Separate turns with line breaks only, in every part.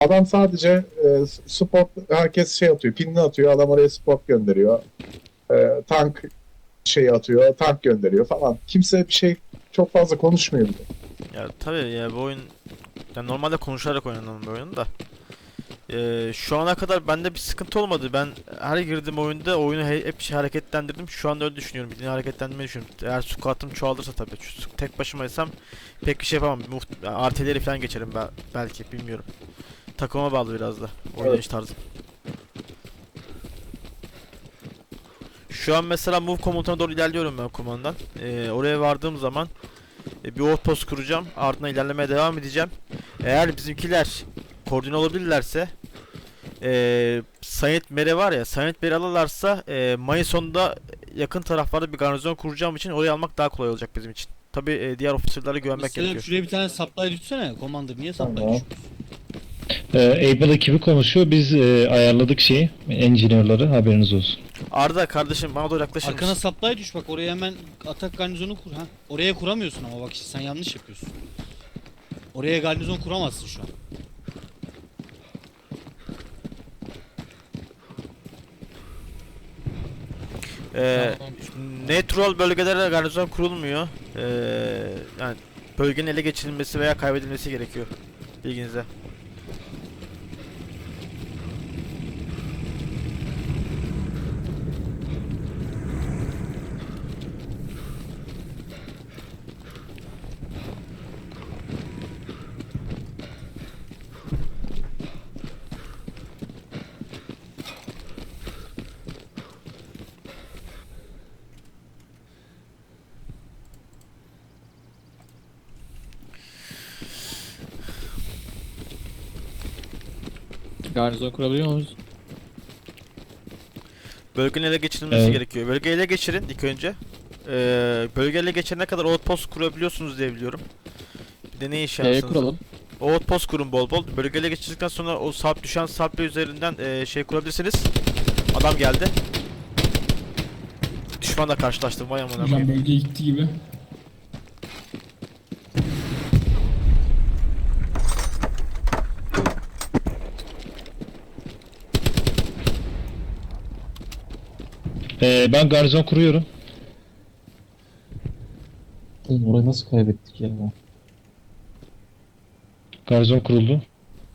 Adam sadece spot, herkes şey atıyor, pinini atıyor, adam oraya spot gönderiyor. Tank şey atıyor, tank gönderiyor falan. Kimse bir şey çok fazla konuşmuyor bile.
Ya tabii ya, bu oyun yani normalde konuşarak oynanan bir oyun da. Şu ana kadar bende bir sıkıntı olmadı. Ben her girdiğim oyunda oyunu hep şey hareketlendirdim. Şu anda öyle düşünüyorum. Yine hareketlendirmeyi düşünüyorum. Eğer squat'ım çoğalırsa tabii. Tek başımaysam pek bir şey yapamam. Artileri falan geçerim belki, bilmiyorum. Takıma bağlı biraz da
Evet.
oynayış tarzı. Şu an mesela move komutuna doğru ilerliyorum ben kumandan. Oraya vardığım zaman bir outpost kuracağım. Ardından ilerlemeye devam edeceğim. Eğer bizimkiler koordine olabilirlerse, Saint Mary var ya, Saint Mary alırlarsa Mayıs sonunda yakın taraflarda bir garnizon kuracağım için orayı almak daha kolay olacak bizim için. Tabi diğer ofisirlere güvenmek
Mesela
gerekiyor.
şuraya bir tane supply düşsene. Commander niye supply
Tamam.
düşmüyorsun?
Able ekibi konuşuyor. Biz ayarladık şeyi. Engineer'ları haberiniz olsun.
Arda kardeşim, bana doğru yaklaşır
Arkana
mısın?
supply düş bak, oraya hemen atak garnizonu kur ha. Oraya kuramıyorsun ama bak işte sen yanlış yapıyorsun. Oraya garnizon kuramazsın şu an.
Ee,
Tamam.
Neutral bölgelere garnizon kurulmuyor. Yani bölgenin ele geçirilmesi veya kaybedilmesi gerekiyor. Bilginize.
Garnizon kurabiliyor muyuz?
Bölgenin ele geçirilmesi
Evet.
gerekiyor. Bölgeyi ele geçirin ilk önce. Bölge ele geçirene kadar outpost kurabiliyorsunuz diye biliyorum. Bir de ne iş şansınız?
Kuralım.
Outpost kurun bol bol. Bölge ele geçirdikten sonra o sarp düşen sarpla üzerinden şey kurabilirsiniz. Adam geldi. Düşmanla karşılaştım, vay amına
Hocam
koyayım.
bölgeye gitti gibi.
Ben garnizon kuruyorum.
Oğlum orayı nasıl kaybettik ya?
Garnizon kuruldu.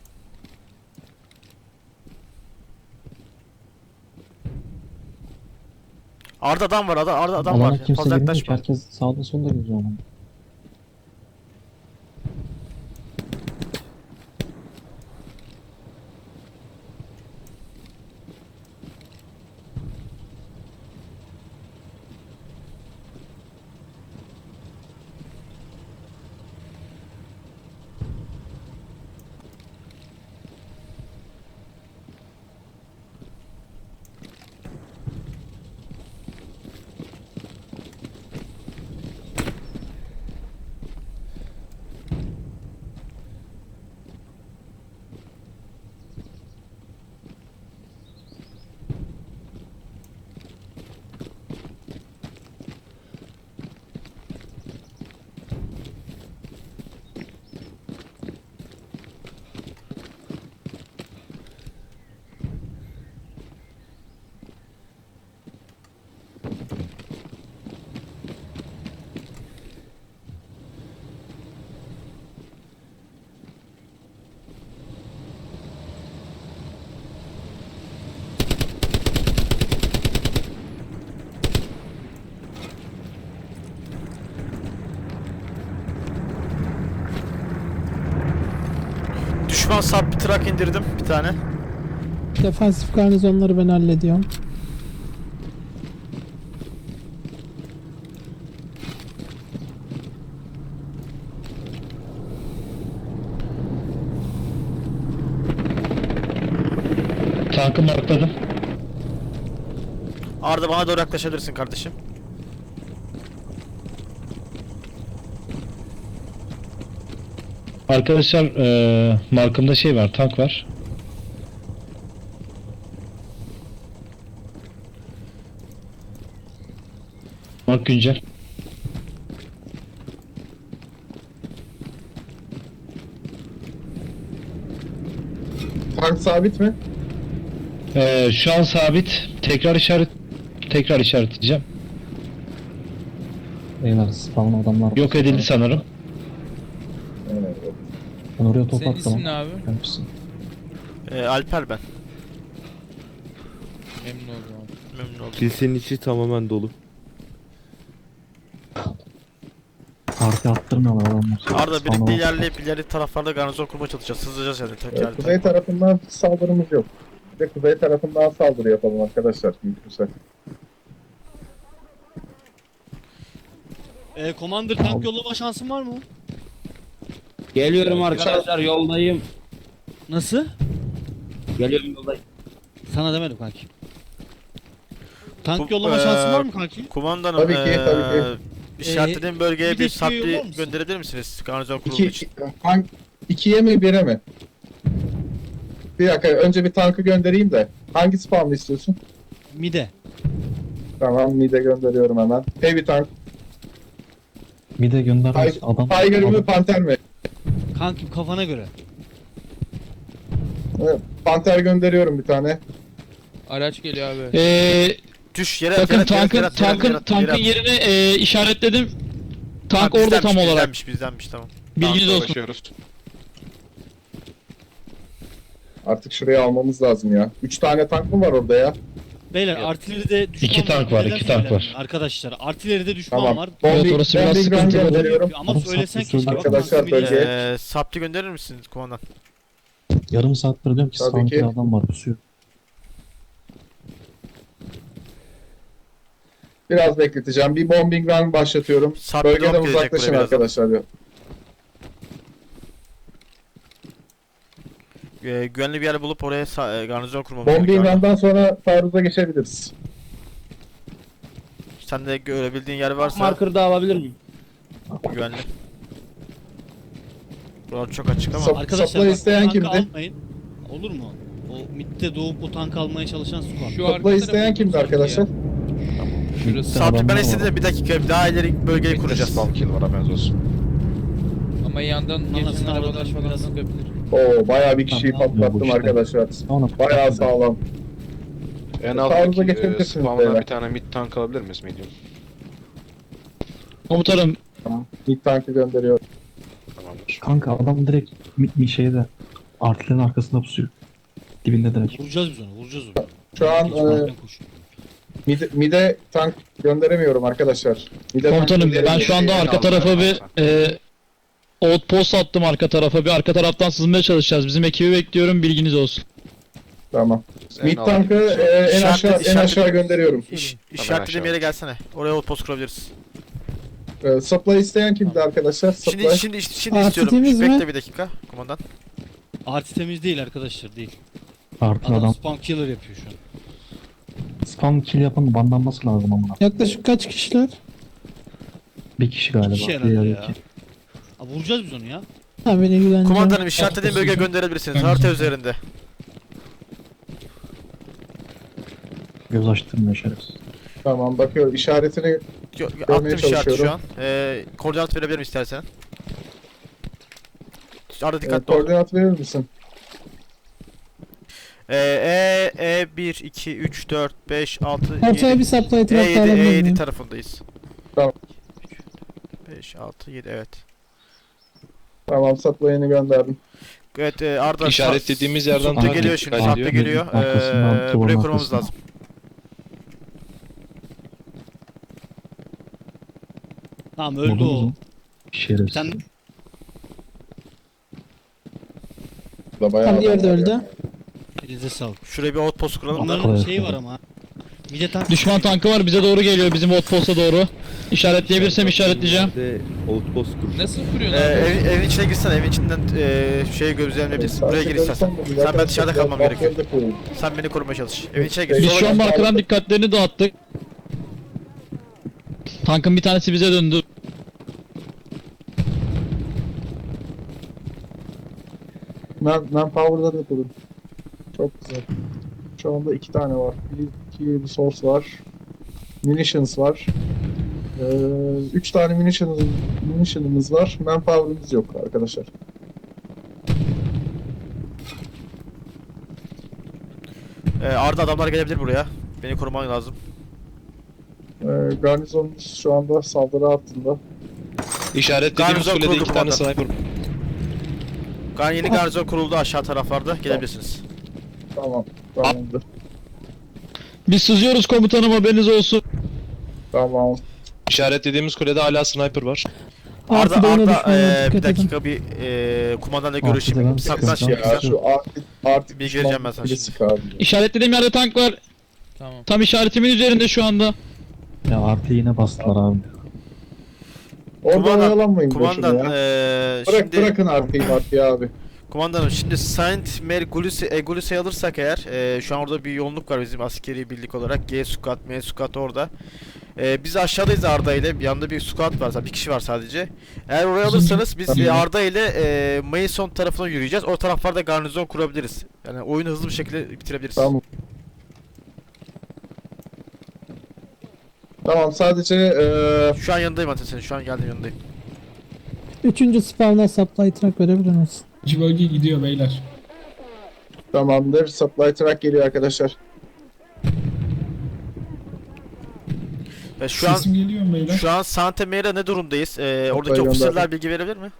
Arda adam var, Arda adam var.
Alana kimse
Fazla
girmiyor ki.
yaklaşma.
Herkes sağda solda geziyor ama.
Düşman sarp bir trak indirdim bir tane.
Defansif garnizonları ben hallediyorum.
Tankı markladım.
Arda bana doğru yaklaşabilirsin kardeşim.
Arkadaşlar markımda şey var. Tank var. Mark güncel.
Tank sabit mi?
Şu an sabit. Tekrar işaretleyeceğim.
Beyler spawn adamlar var.
Yok edildi sanırım.
Evet.
Ben oraya top
Senin
attım.
ismin ne abi?
Gelmişsin.
Alper ben.
Memnun oldum abi.
Memnun oldum.
Kilisenin içi tamamen dolu.
Parti attırmıyorlar adamlar.
Arda
Spawn'a
birlikte
bak.
ilerleyip ileri taraflarda garnizon kurmaya çalışacağız. Hızlıca yani tekrar.
Kuzey tarafından saldırımız yok. Bir de kuzey tarafından saldırı yapalım arkadaşlar. Mümkünse.
Commander tank yollama şansın var mı?
Geliyorum arkadaşlar, yoldayım.
Nasıl?
Geliyorum, yoldayım.
Sana demedim kanki. Tank
Bu-
yollama şansın var mı kanki?
Kumandanım
Tabii ki, tabii ki.
işaretlediğim bölgeye
bir
bir
de
sapli
yollar mısın?
gönderebilir misiniz? Garnizon kurulu için.
İkiye mi bire mi? Bir dakika önce bir tankı göndereyim de. Hangi spawn'ı istiyorsun?
Mide.
Tamam mide gönderiyorum hemen. Heavy tank.
Bir de göndermez adam.
Tiger mi
adam-
Panther mi?
Kankim kafana göre.
Evet, Panther gönderiyorum bir tane.
Araç geliyor abi.
Düş yere
Bakın
yere,
tankın
yere,
tankın
yere,
tankın
yere.
yerini işaretledim. Tank
Ha,
orada tam
bizdenmiş,
olarak.
bizdenmiş tamam.
Bilginiz olsun.
Artık şuraya almamız lazım ya. 3 tane tank mı var orada ya?
Beyler artilleride düşman
İki tank var,
Neden
iki tank
söylenmiyor?
var.
Arkadaşlar artilleride düşman
Tamam.
var.
Evet, orası biraz
bombing run
sıkıntılı.
gönderiyorum.
Ama
Oğlum,
söylesen
saplı
keşke.
Arkadaşlar,
Bakın,
bölgeye-
Sapli gönderir misiniz kumandan?
Yarım saattir diyorum ki
Tabii
spawn
ki.
adam var pusuyor.
Biraz bekleteceğim. Bir bombing run başlatıyorum.
Sapli
Bölgeden
drop gelecek
uzaklaşın
buraya birazdan.
arkadaşlar.
Güvenli bir yer bulup oraya garnizon kurmamız
Bombing
gerekiyor.
run'dan sonra taarruza geçebiliriz.
Sen de görebildiğin yer varsa
Marker da alabilir miyim?
güvenli. Buralar çok açık ama.
Sap-
Arkadaşlar
Supply
bak,
isteyen
tankı
kimdi?
almayın. Olur mu? O midde doğup o tankı almaya çalışan squad.
Şu arka
Supply isteyen
tarafı
kimdi
sanki
arkadaşlar?
ya. Şurası.
Sen
Sapli ben
adamlar
istedim
var.
de bir dakika daha ileri bölgeyi kuracağız.
Ama yandan geçen
Anasını
arabalar
avradım
falan
biraz.
sıkabilir.
Oo bayağı bir kişiyi
Tamam, bu
patlattım
işte.
arkadaşlar.
Spawn'a
Bayağı sağlam.
En
Taarruza
alttaki
geçebilirsiniz
spawn'dan
beyler.
bir tane mid tank alabilir miyiz medium?
Komutanım
İlk tankı gönderiyor.
Tamamdır.
Kanka adam direkt şeyde artilerin arkasında pusuyor. Dibinde direkt.
Vuracağız biz onu, vuracağız onu.
Şu an
Geçmeden koşuyor.
mide tank gönderemiyorum arkadaşlar. Mide tank
komutanım ben
gönderemiyorum.
şu anda arka tarafa bir outpost attım arka tarafa. Bir arka taraftan sızmaya çalışacağız. Bizim ekibi bekliyorum. Bilginiz olsun.
Tamam.
En
Mid
alttaki
tankı en
İşaret-
aşağı gönderiyorum.
İşaretlediğim yere gelsene. Oraya outpost kurabiliriz.
Supply isteyen kimdi arkadaşlar? Supply.
Şimdi
Artı
istiyorum.
temiz mi?
Bekle bir dakika kumandan.
Arti temiz değil arkadaşlar, değil.
Artı
Adam
adam.
spam killer yapıyor şu an.
Spam kill yapan bandanması lazım amına.
Yaklaşık kaç kişiler?
Bir kişi galiba.
İki kişi herhalde
Diğer
ya.
iki.
Abi vuracağız biz onu ya.
Ha beni ilgilendiren.
Kumandanım işaretlediğim bölgeye gönderebilirsiniz. Harita üzerinde.
Göz açtırmıyor şerefsiz.
Tamam bakıyorum işaretini
Attım işareti şu
çalışıyorum.
an. Koordinat verebilirim istersen. Arada dikkatli ol.
koordinat verir misin?
E 1 2 3 4 5 6
Ortaya
7
bir supply trap
E7
alabilir
E7
miyim?
tarafındayız.
Tamam.
5 6 7 evet.
Tamam supply'ını gönderdim.
Evet Arda
İşaretlediğimiz yerden
Saplı
takip
geliyor şimdi.
dikkat
Saplı
ediyor.
geliyor.
Arkasından,
Buraya
duvarın
kurmamız
arkasından.
lazım.
Tamam öldü
Vurdunuz
o.
mu? Şerefsiz.
Sen
Da bayağı
Tam diğeri de
adam var
öldü.
ya.
elinize sağlık.
Şuraya bir outpost kuralım da.
Onların
kolay
şeyi
kolay.
var ama. Mide tank.
Düşman tankı var. Bize doğru geliyor. Bizim outpost'a doğru. İşaretleyebilirsem işaretleyeceğim.
De outpost kur.
Nasıl kuruyorsun abi?
Evin içine girsene. Evin içinden şey gözlemleyebilirsin. Buraya gir istersen. Sen ben dışarıda kalmam gerekiyor. Sen beni korumaya çalış. Evin içine gir.
Biz
Sola
şu an
gir.
markadan dikkatlerini dağıttık. Tankın bir tanesi bize döndü.
Manpower'ları yapalım. Çok güzel. Şu anda 2 tane var. Bir resource var. Munitions var. 3 tane munition'ımız var. Manpower'ımız yok arkadaşlar.
Arda adamlar gelebilir buraya. Beni koruman lazım.
Garnizonumuz şu anda saldırı altında.
İşaretlediğimiz
Garnizon
kulede
kuruldu
2 tane
komutanım.
sniper.
Yeni garnizon kuruldu aşağı taraflarda. Gelebilirsiniz.
Tamam. Tamamdır.
Biz sızıyoruz komutanım, haberiniz olsun.
Tamam.
İşaretlediğimiz kulede hala sniper var.
Arda,
Artı beyne
Arda
düşmanlar,
bir
dikkat edin.
dakika bir kumandanla
Artı
görüşeyim.
devam,
Saklan
sıkıntı
şimdi
yok.
Ya
sen.
şu artık
Bir geleceğim ben sana
kulesi
şimdi.
kaldı.
İşaretlediğim yerde tank var.
Tamam.
Tam işaretimin üzerinde şu anda.
Ya artı yine bastılar abi.
Orada
Kumandan-
oyalanmayın
Kumandan
boşuna ya. Bırakın artıyı abi.
Kumandanım şimdi Saint Mary Gulisa'yı alırsak eğer şu an orada bir yoğunluk var bizim askeri birlik olarak. G squad, M squad orada. Biz aşağıdayız Arda ile. Bir yanda bir squad var, bir kişi var sadece. Eğer oraya alırsanız biz Arda ile Mason tarafına yürüyeceğiz. O taraflarda garnizon kurabiliriz. Yani oyunu hızlı bir şekilde bitirebiliriz.
Tamam. Tamam sadece
Şu an yanındayım Ateş senin. Şu an geldim yanındayım.
3. spawn'a supply truck verebilir misin?
Bölge gidiyor beyler.
tamamdır. Supply truck geliyor arkadaşlar.
Ve şu an
Sesim geliyor mu beyler?
şu an Santa Maria ne durumdayız? Oradaki
Bayramda.
ofisirler bilgi verebilir mi?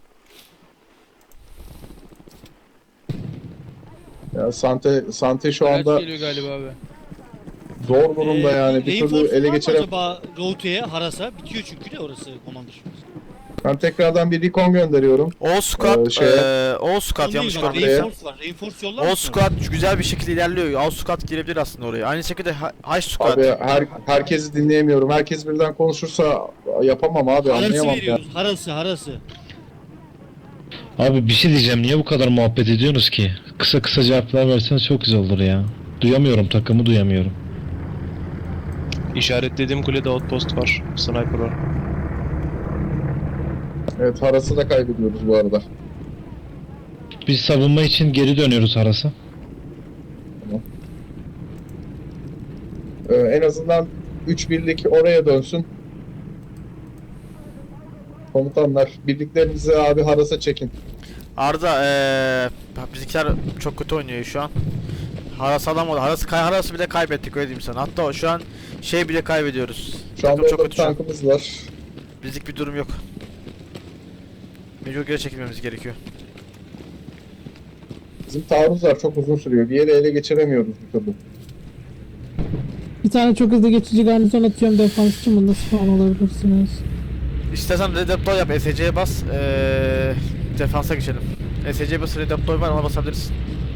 Ya Sante şu
Araç
anda
geliyor galiba abi.
zor durumda yani. Bir türlü
Reinforce
ele
var mı
geçirem.
acaba Route'ye, Haras'a? Bitiyor çünkü de orası Commander.
Ben tekrardan bir recon gönderiyorum.
All squad,
şeye-
All squad yanlış
Bak,
görmedim.
Reinforce var. Reinforce yollar
All
mısın?
squad güzel bir şekilde ilerliyor. All squad girebilir aslında oraya. Aynı şekilde High squad.
Abi herkesi dinleyemiyorum. Herkes birden konuşursa yapamam abi.
Harası
Anlayamam ya.
veriyoruz. Harası.
Abi bir şey diyeceğim, niye bu kadar muhabbet ediyorsunuz ki? Kısa kısa cevaplar verseniz çok güzel olur ya. Duyamıyorum, takımı duyamıyorum.
İşaretlediğim kulede outpost var. Sniper var.
Evet Haras'ı da kaybediyoruz bu arada.
Biz savunma için geri dönüyoruz Haras'a.
En azından 3 birlik oraya dönsün. Komutanlar birliklerinizi abi Haras'a çekin.
Arda bizimkiler çok kötü oynuyor şu an. Haras alamadı. Haras'ı bile kaybettik öyle diyeyim sana. Hatta şu an şey bile kaybediyoruz.
Şu anda
Takım çok
orada bir
kötü şu an.
tankımız var.
Bizlik bir durum yok. Mecbur geri çekilmemiz gerekiyor.
Bizim taarruzlar çok uzun sürüyor. Bir yere ele geçiremiyoruz bir türlü.
Bir tane çok hızlı geçici garnizon atıyorum defans için. Bunda spawn olabilirsiniz.
İstersen redeploy yap, SC'ye bas. Defansa geçelim. SC'ye bas, redeploy var, ona basabiliriz.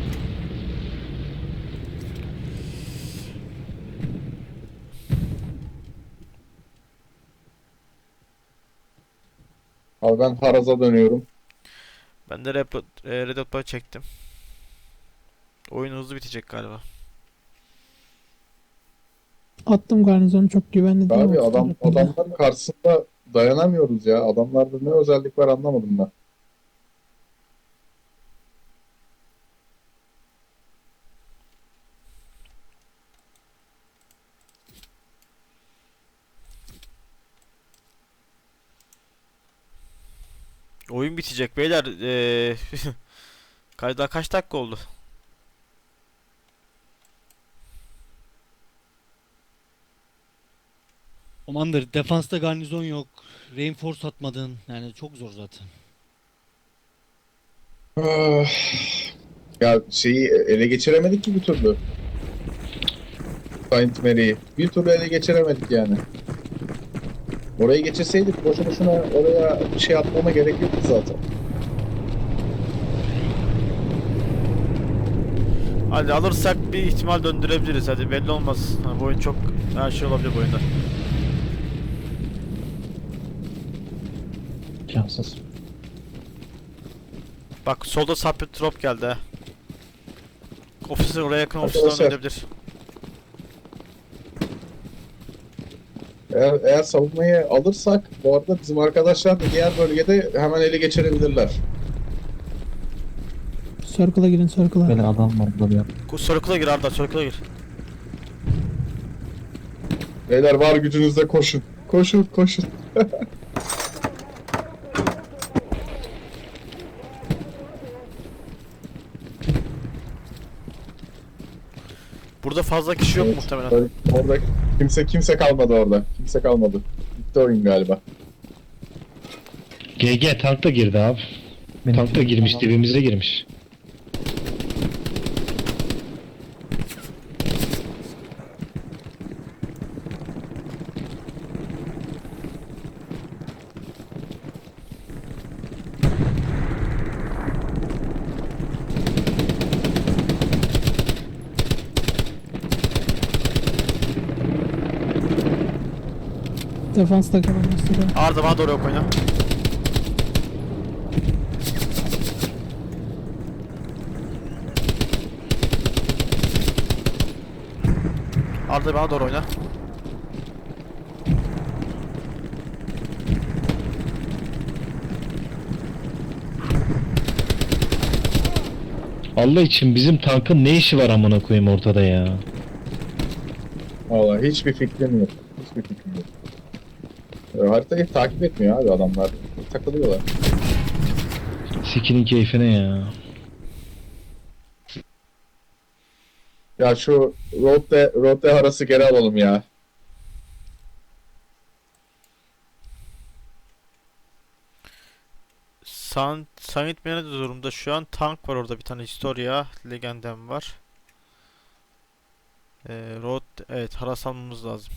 Abi ben Haras'a dönüyorum.
Ben de redeploy çektim. Oyun hızlı bitecek galiba.
Attım garnizonu, çok güvenli değil.
Abi
o tarafında.
adamların karşısında dayanamıyoruz ya. Adamlarda ne özellik var anlamadım ben.
Oyun bitecek beyler. Daha kaç dakika oldu?
Commander, defansta garnizon yok. Reinforce atmadın. Yani çok zor zaten.
Ah, ya şeyi ele geçiremedik ki bir türlü. Saint Mary'i. Bir türlü ele geçiremedik yani. Orayı geçirseydik boşu boşuna oraya bir şey atmama gerek yoktu zaten.
Hadi alırsak bir ihtimal döndürebiliriz. Hadi belli olmaz. Ha, bu oyun çok her şey olabilir bu oyunda.
Şanssız.
Bak solda supply drop geldi ha. Ofisler oraya yakın ofisler
Arkadaşlar.
dönebilir.
Eğer savunmayı alırsak bu arada bizim arkadaşlar da diğer bölgede hemen ele geçirebilirler.
Circle'a girin, circle'a.
Böyle adam var burada bir yer.
Circle'a gir Arda, circle'a gir.
Beyler var gücünüzle koşun. Koşun.
Burada fazla kişi yok
Evet.
muhtemelen.
Orada kimse kalmadı orada. Kimse kalmadı. Bitti oyun galiba.
GG tank da girdi abi. Tank da girmiş, dibimize girmiş.
Defansta kalan mesela.
Arda bana doğru yok oyna. Arda bana doğru oyna.
Allah için bizim tankın ne işi var amına koyayım ortada ya.
Vallahi hiçbir fikrim yok. Hiçbir fikrim yok. Haritayı takip etmiyor abi adamlar. Takılıyorlar.
Sikinin keyfine ya.
Ya şu road'de arası geri alalım ya.
Summit ne durumda şu an? Tank var orada, bir tane Historia Legendem var. Road, evet, haras almamız lazım.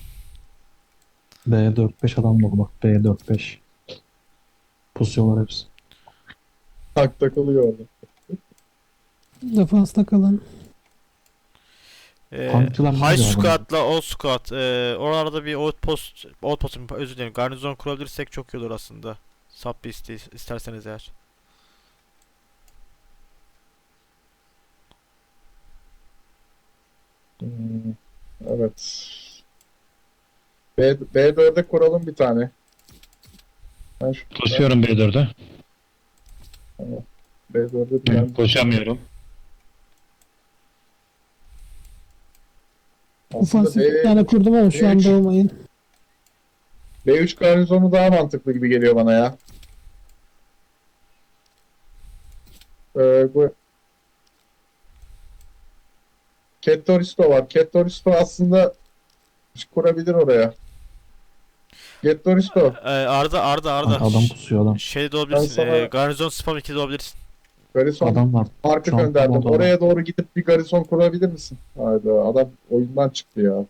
B4-5 adam dolu bak. B4-5. Pusuyorlar hepsi.
Tank takılıyor orada.
Defansta kalan.
Tankçılar ne
High
diyor abi?
Squad'la Old Squad. Oralarda bir outpost, özür dilerim, garnizon kurabilirsek çok iyi olur aslında. Sub bir isterseniz eğer.
Evet. B4'e kuralım bir tane. Ben şu
Koşuyorum B4'e.
B4'e bir tane.
Koşamıyorum.
Aslında
Ofansif bir tane kurdum ama şu anda olmayın.
B3 garnizonu daha mantıklı gibi geliyor bana ya. Bu Kettoristo var. Kettoristo aslında kurabilir oraya. Kettoristo.
Arda.
Adam pusuyor adam.
Şey de olabilirsin.
Ben sana-
Garnizon spam 2 de olabilirsin.
Garnizon
Adam var.
marka
Şu an
gönderdim.
tam orada.
Oraya doğru gidip bir garnizon kurabilir misin? Hayda adam oyundan çıktı ya.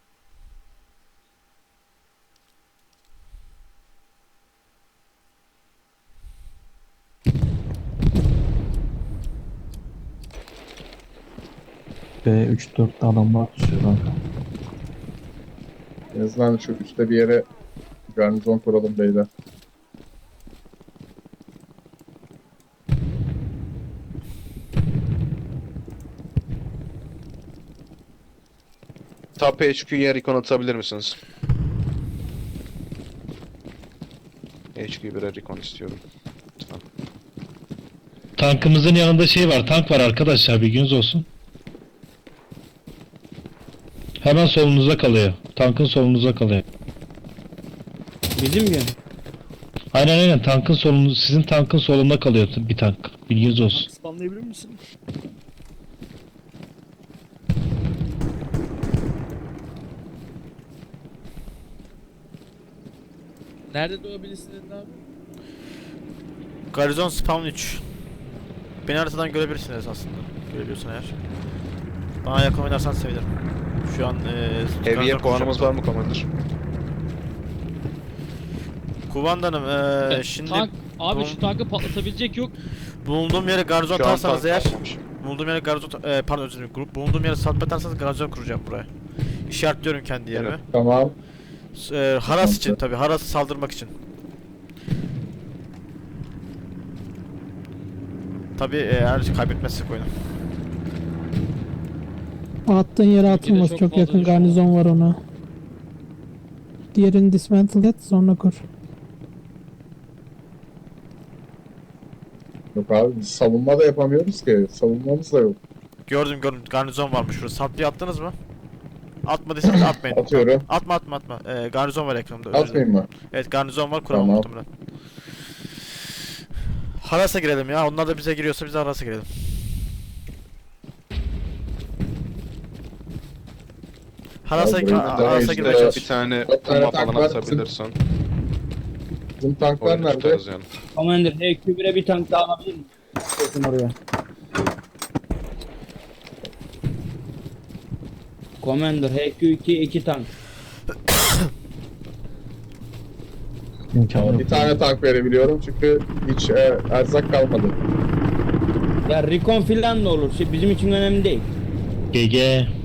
B3-4'te adamlar pusuyor kanka.
En azından şu üstte bir yere garnizon kuralım beyler.
Top HQ'ya recon atabilir misiniz? HQ birer recon istiyorum. Lütfen.
Tankımızın yanında şey var, tank var arkadaşlar, bilginiz olsun. Hemen solunuzda kalıyor. Tankın solunuzda kalıyor.
Bizim mi?
Aynen tankın solunuz, sizin tankın solunda kalıyor bir tank. Bilginiz olsun.
Spamlayabilir misin?
Nerede doğabilirsiniz abi?
Garnizon spam 3. Beni haritadan görebilirsiniz aslında. Görebiliyorsan eğer. Bana yakın oynarsan sevinirim. Şu an
Heavy'ye
garnizon
puanımız
kuracağım.
var mı Commander?
Kumandanım şimdi
Tank, abi
bu-
şu tankı patlatabilecek yok.
bulunduğum yere garnizon
Şu an
atarsanız
tank
eğer,
kalmamış.
bulunduğum yere garnizon pardon özür dilerim. Bulunduğum yere satma atarsanız garnizon kuracağım buraya. İşaretliyorum kendi yerimi.
Evet.
Tamam.
Haras için tabi, Haras'ı saldırmak için. Tabi eğer kaybetmezsek oyunu.
Attığın yere atılmaz.
çok
Çok
fazla
yakın
düşman.
garnizon var ona. Diğerini dismantle et sonra kur.
Yok abi biz savunma da yapamıyoruz ki. Savunmamız da yok.
Gördüm garnizon varmış şurada. Sapliye attınız mı? Atmadıysanız atmayın.
Atıyorum.
Atma. Garnizon var ekranımda. özür dilerim.
Atmayayım mı?
Evet, garnizon var, kuramam
Tamam.
muhtemelen. Haras'a girelim ya. Onlar da bize giriyorsa biz de Haras'a girelim. Haras'a
burayı
Haras'a
işte
girmeye çalış.
Bir tane
Bir tane
bomba
tank
falan
var.
atabilirsen
Bizim tanklar
oyunu
nerede?
tutarız yani.
Commander HQ1'e bir tank daha alabilir miyim? Bakın oraya. Commander HQ2 2 tank.
İmkanı yok.
Bir tane tank verebiliyorum çünkü hiç erzak kalmadı.
Ya recon filan da olur. Şey, bizim için önemli değil.
GG.